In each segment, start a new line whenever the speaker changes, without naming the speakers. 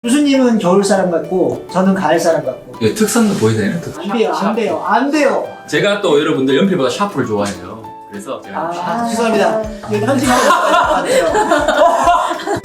교수님은 겨울 사람 같고 저는 가을 사람 같고.
예, 특성도 보여야 되나요?
안 돼요, 안 돼요, 안 돼요.
제가 또 여러분들 연필보다 샤프를 좋아해요. 그래서 제가
죄송합니다. 이거 편집하고 있어야 될 것 같아요.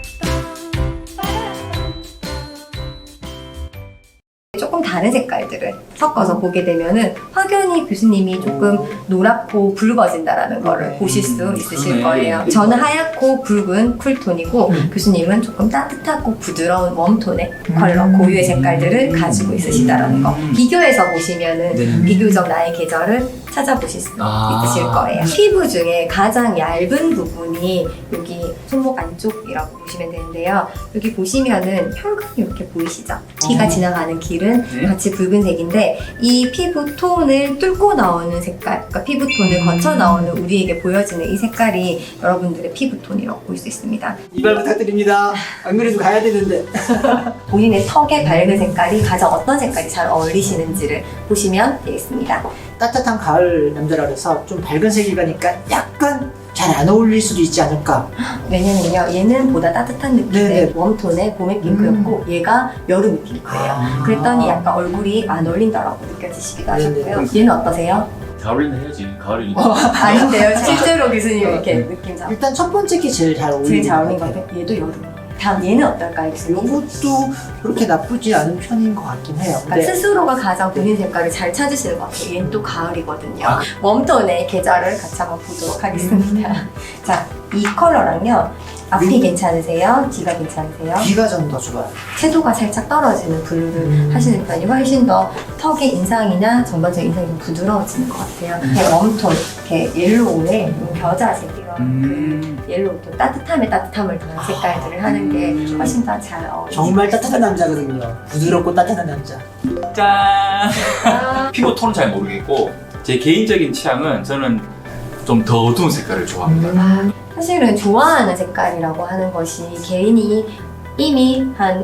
조금 다른 색깔들을 섞어서 보게 되면은 확연히 교수님이 조금 노랗고 붉어진다라는 거를 보실 수 있으실
그러네.
거예요. 저는 하얗고 붉은 쿨톤이고 교수님은 조금 따뜻하고 부드러운 웜톤의 컬러 고유의 색깔들을 가지고 있으시다라는 거. 비교해서 보시면은
네.
비교적 나의 계절을 찾아보실 수
아.
있으실 거예요. 피부 중에 가장 얇은 부분이 여기 손목 안쪽이라고 보시면 되는데요. 여기 보시면은 혈관이 이렇게 보이시죠? 피가 지나가는 길은
네.
같이 붉은색인데 이 피부 톤을 뚫고 나오는 색깔, 그러니까 피부 톤을 거쳐 나오는 우리에게 보여지는 이 색깔이 여러분들의 피부 톤이라고 볼 수 있습니다.
이발 부탁드립니다. 안 그래도 가야 되는데.
본인의 턱의 밝은 색깔이 가장 어떤 색깔이 잘 어울리시는지를 보시면 되겠습니다.
따뜻한 가을 남자라 그래서 좀 밝은 색이 가니까 약간 잘 안 어울릴 수도 있지 않을까.
왜냐면요, 얘는 보다 따뜻한 느낌의
네네.
웜톤의 봄의 핑크였고 얘가 여름 핑크예요.
아.
그랬더니 약간 얼굴이 안 어울린다라고 느껴지시기도
네네.
하셨고요. 얘는 어떠세요?
잘 어울리는 해야지. 가을이니까.
아닌데요. 실제로 교수님 이렇게 느낌 잡고
일단 첫 번째 게 제일 잘 어울리는
제일 잘 어울린
것
것
같아요.
같아요. 얘도 여름. 다음 얘는 어떨까요, 교수님?
이것도 그렇게 나쁘지 않은 편인 것 같긴 해요.
그러니까
근데
스스로가 가장 본인 색깔을 잘 찾으시는 것 같아요. 얘는 또 가을이거든요.
아.
웜톤의 계절을 같이 한번 보도록 하겠습니다. 자, 이 컬러랑요. 앞이 괜찮으세요? 뒤가 괜찮으세요?
귀가 좀 더 좋아요.
채도가 살짝 떨어지는 블루를 하시는 편이 훨씬 더 턱의 인상이나 전반적인 인상이 좀 부드러워지는 것 같아요. 이렇게 웜톤, 이렇게 옐로우에 겨자색 이런 그 옐로우톤, 따뜻함에 따뜻함을 더한 색깔들을 하는 게 훨씬 더 잘 어울리죠.
정말 따뜻한 남자거든요. 부드럽고 따뜻한 남자.
짠!
아,
피부 톤은 잘 모르겠고 제 개인적인 취향은 저는 좀 더 어두운 색깔을 좋아합니다.
사실은 좋아하는 색깔이라고 하는 것이 개인이 이미 한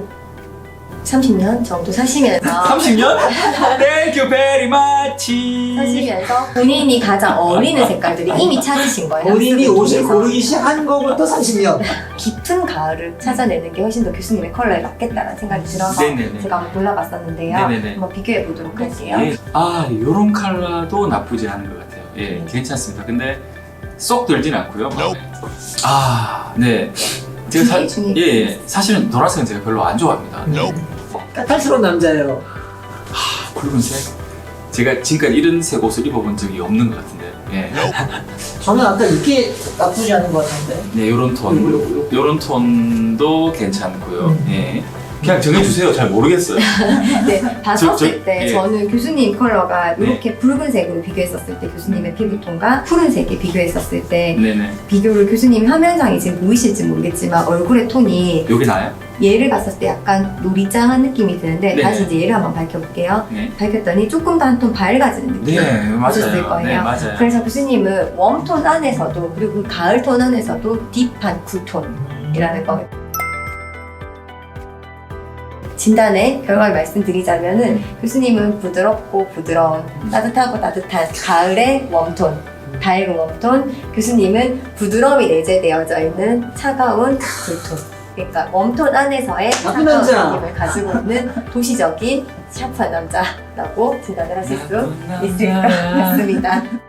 30년 정도 사시면서
30년? Thank you very much.
사시면서 본인이 가장 어울리는 색깔들이 이미 찾으신 거예요.
본인이
학습을
옷을
통해서.
고르기 시작한 거부터 30년.
깊은 가을을 찾아내는 게 훨씬 더 교수님의 컬러에 맞겠다는 생각이 들어서
네네네.
제가 한번 골라봤었는데요.
네네네.
한번 비교해 보도록 할게요.
예. 아, 요런 컬러도 나쁘지 않은 것 같아요. 예, 괜찮습니다. 근데 쏙 들진 않고요. 마음에. 아, 네. 제가
중에
예, 사실은 노란색은 제가 별로 안 좋아합니다.
까탈스러운 남자예요.
붉은색? 제가 지금까지 이런 색 옷을 입어본 적이 없는 것 같은데. 예.
저는 아까 이게 나쁘지 않은 것 같은데.
네, 요런 톤. 요런 톤도 괜찮고요. 예. 그냥 정해주세요. 잘 모르겠어요.
네, 봤었을
저-
때
예.
저는 교수님 컬러가
네.
이렇게 붉은색으로 비교했었을 때 교수님의 피부톤과 푸른색이 비교했었을 때
네네.
비교를 교수님 화면상에 지금 보이실지 모르겠지만 얼굴의 톤이
여기 나요?
얘를 봤을 때 약간 노리짱한 느낌이 드는데
네.
다시 이제 얘를 한번 밝혀볼게요.
네.
밝혔더니 조금 더 한 톤 밝아지는 느낌
네,
보셨을
맞아요.
거예요.
네, 맞아요.
그래서 교수님은 웜톤 안에서도 그리고 가을 톤 안에서도 딥한 쿨톤이라는 거. 진단의 결과를 말씀드리자면은 교수님은 부드럽고 부드러운 따뜻하고 따뜻한 가을의 웜톤, 밝은 웜톤. 교수님은 부드러움이 내재되어져 있는 차가운 쿨톤. 그러니까 웜톤 안에서의
나쁜
차가운
남자.
느낌을 가지고 있는 도시적인 샤프한 남자라고 진단을 하실 수 있을 것 같습니다.